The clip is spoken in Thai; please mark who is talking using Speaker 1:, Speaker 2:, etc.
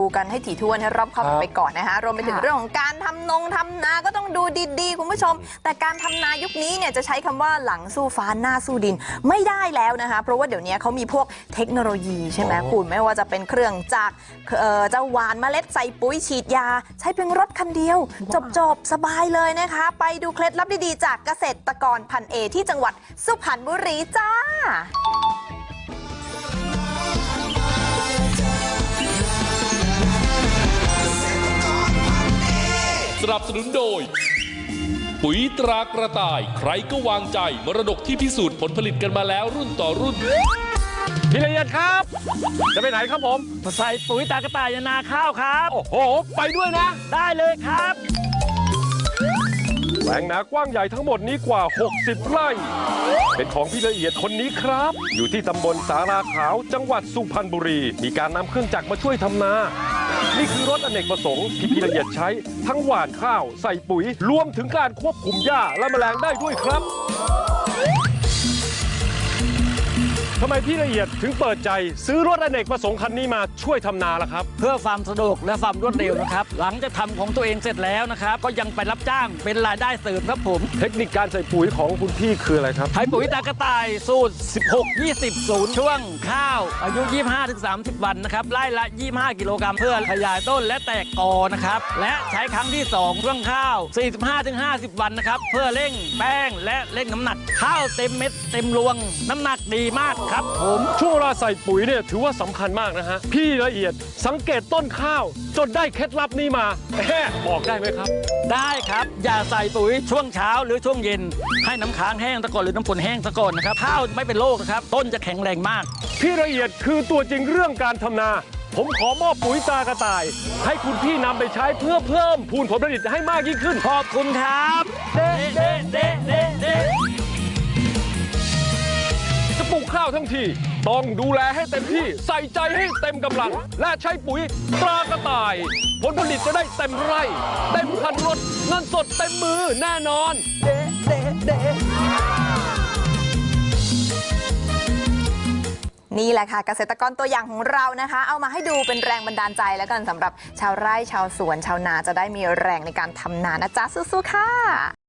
Speaker 1: ดูกันให้ถี่ถ้วนให้รอบคอบไปก่อนนะคะรวมไปถึงเรื่องของการทำนาก็ต้องดูดีๆคุณผู้ชมแต่การทำนายุคนี้เนี่ยจะใช้คำว่าหลังสู้ฟ้าหน้าสู้ดินไม่ได้แล้วนะคะเพราะว่าเดี๋ยวนี้เขามีพวกเทคโนโลยีใช่ไหมคุณไม่ว่าจะเป็นเครื่องจักรจะหว่านเมล็ดใส่ปุ๋ยฉีดยาใช้เพียงรถคันเดียวจบสบายเลยนะคะไปดูเคล็ดลับดีๆจากเกษตรกรพันเอที่จังหวัดสุพรรณบุรีจ้า
Speaker 2: สนับสนุนโดยปุ๋ยตรากระต่ายใครก็วางใจมรดกที่พิสูจน์ผลผลิตกันมาแล้วรุ่นต่อรุ่น
Speaker 3: พี่ละเอียดครับจะไปไหนครับผม
Speaker 4: ใส่ปุ๋ยตากระต่ายนาข้าวครับ
Speaker 3: โอ้โหไปด้วยนะ
Speaker 4: ได้เลยครับ
Speaker 3: แปลงนากว้างใหญ่ทั้งหมดนี้กว่า60ไร่เป็นของพี่ละเอียดคนนี้ครับอยู่ที่ตำบลสาราขาวจังหวัดสุพรรณบุรีมีการนำเครื่องจักรมาช่วยทำนานี่คือรถอเนกประสงค์ที่พี่ละเอียดใช้ทั้งหว่านข้าวใส่ปุ๋ยรวมถึงการควบคุมหญ้าและแมลงได้ด้วยครับทำไมพี่ละเอียดถึงเปิดใจซื้อรถอเนกประสงค์คันนี้มาช่วยทำนาล่ะครับ
Speaker 4: เพื่อความสะดวกและความรวดเร็วนะครับหลังจากทำของตัวเองเสร็จแล้วนะครับก็ยังไปรับจ้างเป็นรายได้เสริมครับผม
Speaker 3: เทคนิคการใส่ปุ๋ยของคุณพี่คืออะไรครับ
Speaker 4: ใช้ปุ๋ยตากระต่ายสูตร16-20ช่วงข้าวอายุ 25-30 วันนะครับไร่ละ25กิโลกรัมเพื่อขยายต้นและแตกกอนะครับและใช้ครั้งที่2ช่วงข้าว 45-50 วันนะครับเพื่อเร่งแป้งและเร่งน้ำหนักข้าวเต็มเม็ดเต็มรวงน้ำหนักดีมากครับผม
Speaker 3: ช่วงเวลาใส่ปุ๋ยเนี่ยถือว่าสำคัญมากนะฮะพี่ละเอียดสังเกตต้นข้าวจนได้เคล็ดลับนี้มาบอกได้ไหมครับ
Speaker 4: ได้ครับอย่าใส่ปุ๋ยช่วงเช้าหรือช่วงเย็นให้น้ำค้างแห้งซะก่อนหรือน้ำฝนแห้งซะก่อนนะครับข้าวไม่เป็นโรคนะครับต้นจะแข็งแรงมาก
Speaker 3: พี่ละเอียดคือตัวจริงเรื่องการทำนาผมขอมอบปุ๋ยตากระต่ายให้คุณพี่นำไปใช้เพื่อเพิ่มพูนผลผลิตให้มากยิ่งขึ้น
Speaker 4: ขอบคุณครับเด้
Speaker 3: ปลูกข้าวทั้งทีต้องดูแลให้เต็มที่ใส่ใจให้เต็มกำลังและใช้ปุ๋ยตรากระต่ายผลผลิตจะได้เต็มไร่เต็มคันรถเงินสดเต็มมือแน่นอน
Speaker 1: นี่แหละค่ะเกษตรกรตัวอย่างของเรานะคะเอามาให้ดูเป็นแรงบันดาลใจแล้วกันสำหรับชาวไร่ชาวสวนชาวนาจะได้มีแรงในการทำนานะจ๊ะสู้ๆค่ะ